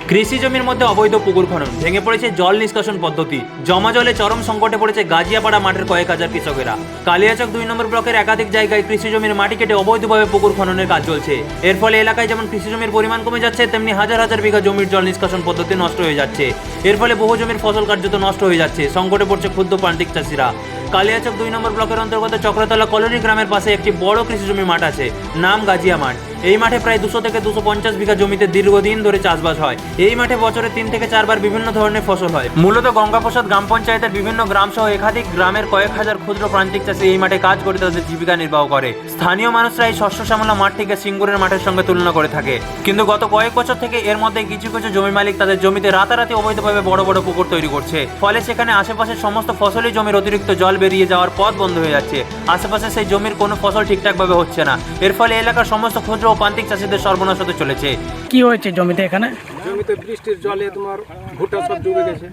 কৃষি জমির মধ্যে অবৈধ পুকুর খনন, ভেঙে পড়েছে জল নিষ্কাশন পদ্ধতি, জমা জলে চরম সংকটে পড়েছে গাজিয়াপাড়া মাঠের কয়েক হাজার কৃষকেরা। কালিয়াচক 2 নম্বর ব্লকের একাধিক জায়গায় কৃষি জমির মাটি কেটে অবৈধভাবে পুকুর খননের কাজ চলছে। এর ফলে এলাকায় যেমন কৃষি জমির পরিমাণ কমে যাচ্ছে, তেমনি হাজার হাজার বিঘা জমির জল নিষ্কাশন পদ্ধতি নষ্ট হয়ে যাচ্ছে। এর ফলে বহু জমির ফসল কার্যত নষ্ট হয়ে যাচ্ছে, সংকটে পড়ছে ক্ষুদ্র প্রান্তিক চাষিরা। কালিয়াচক 2 নম্বর ব্লকের অন্তর্গত চক্রতলা কলোনি গ্রামের পাশে একটি বড় কৃষি জমির মাঠ আছে, নাম গাজিয়া মাঠ। এই মাঠে প্রায় 200 থেকে 250 বিঘা জমিতে দীর্ঘদিন ধরে চাষবাস হয়। এই মাঠে বছরে 3 থেকে 4 বার বিভিন্ন ধরনের ফসল হয়। মূলত গঙ্গাপ্রসাদ গ্রাম পঞ্চায়েতের বিভিন্ন গ্রাম সহ একাধিক গ্রামের কয়েক হাজার ক্ষুদ্র প্রান্তিক চাষি এই মাঠে কাজ করে তাদের জীবিকা নির্বাহ করে। স্থানীয় মানুষরা এই শস্য শ্যামলা মাঠটিকে সিঙ্গুরের মাঠের সঙ্গে তুলনা করে থাকে। কিন্তু গত কয়েক বছর থেকে এর মধ্যে কিছু কিছু জমি মালিক তাদের জমিতে রাতারাতি অবৈধভাবে বড় বড় পুকুর তৈরি করছে। ফলে সেখানে আশেপাশের সমস্ত ফসলি জমির অতিরিক্ত জল বেরিয়ে যাওয়ার পথ বন্ধ হয়ে যাচ্ছে। আশেপাশে সেই জমির কোনো ফসল ঠিকঠাকভাবে হচ্ছে না। এর ফলে এলাকার সমস্ত ক্ষুদ্র ও প্রান্তিক চাষিদের সর্বনাশ হতে চলেছে। কি হয়েছে জমিতে? এখানে জমিতে বৃষ্টির জলে তোমার ভুট্টা সব ডুবে গেছে।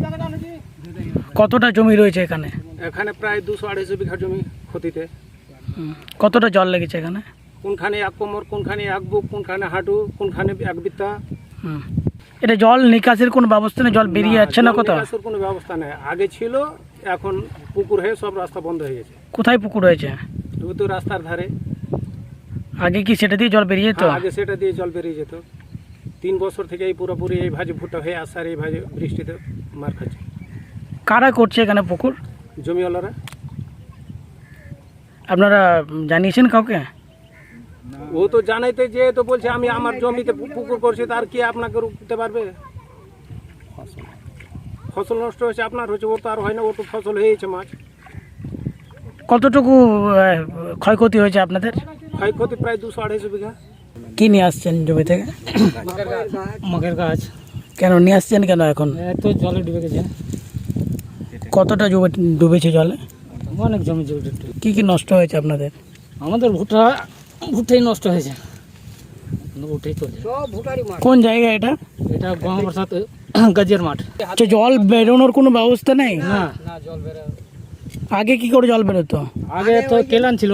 কতটা জমি রয়েছে এখানে? এখানে প্রায় 200-250 বিঘা জমি ক্ষতিতে। কতটা জল লেগেছে এখানে? কোনখানে এক কোমর, কোনখানে এক বুক, কোনখানে হাঁটু, কোনখানে এক বিত্তা। এটা জল নিকাশের কোনো ব্যবস্থা নেই? জল বেরিয়ে যাচ্ছে না কোথাও? নিকাশের কোনো ব্যবস্থা নেই। আগে ছিল, এখন পুকুর হয়ে সব রাস্তা বন্ধ হয়ে গেছে। কোথায় পুকুর হয়েছে? তো রাস্তার ধারে। আগে কি সেটা দিয়ে জল বেরিয়ে যেত? আগে সেটা দিয়ে জল বেরিয়ে যেত। 3 বছর থেকে এই পুরোপুরি এই ভাজে ভুট্টা হয়ে আসছে, আর এই ভাজে বৃষ্টিতে মার খাচ্ছে। কারা করছে এখানে পুকুর? জমিওয়ালারা। আপনারা জানিয়েছেন কাউকে? ও তো জানাইতে যে তো বলছে আমি আমার জমিতে পুকুর করছি, তার কি আপনাকে রুখতে পারবে? ফসল নষ্ট হয়েছে, আপনার হয়েছে, ওর তো আর হয় না, ওর তো ফসল হয়েছে মাছ। কতটুকু ক্ষয়ক্ষতি হয়েছে আপনাদের? ক্ষয়ক্ষতি প্রায় 200-250 বিঘা। কি নিয়ে আসছেন জমি থেকে? মগের গাছ। কেন নিয়ে আসছেন কেন এখন? তো জলে ডুবে গেছে। কতটা জমি ডুবেছে জলে? অনেক জমি জমি কি কি নষ্ট হয়েছে আপনাদের? আমাদের ভুট্টাই নষ্ট হয়েছে। ভুট্টাই চলছে। কোন জায়গা এটা? এটা গঙ্গাপ্রসাদ গাজিয়ার মাঠ। আচ্ছা, জল বেরোনোর কোনো ব্যবস্থা নেই? না, আগে কি করে জল বেরোতো? আগে তো কেলান ছিল,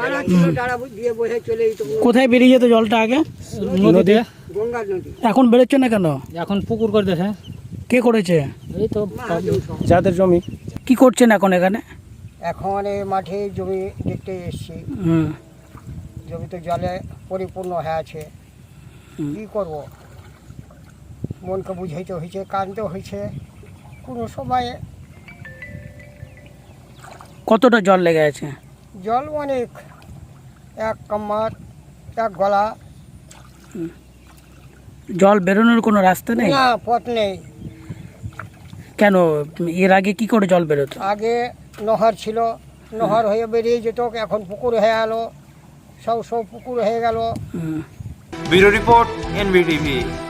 কোথায় বেরিয়ে যেত জলটা আগে? নদীতে। এখন বেরোচ্ছে না কেন? এখন পুকুর করে দেখে। কে করেছে? এই তো যাদের জমি। কি করছেন এখন এখানে? এখন এই মাঠে জমি দেখতে এসেছি। জমিতে জলে পরিপূর্ণ হয়ে আছে। কী করব? মনকে বুঝাইতে হয়েছে, কাঁদতে হয়েছে। কোনো সময় কতটা জল লেগে আছে? জল অনেক, এক কাম্মার, এক গলা। জল বেরোনোর কোনো রাস্তা নেই? না, পথ নেই। কেন, এর আগে কি করে জল বেরোতো? আগে নহর ছিল, নহর হয়ে বেরিয়ে যেত, এখন পুকুর হয়ে গেল, সব পুকুর হয়ে গেল। Bureau report, NBTV।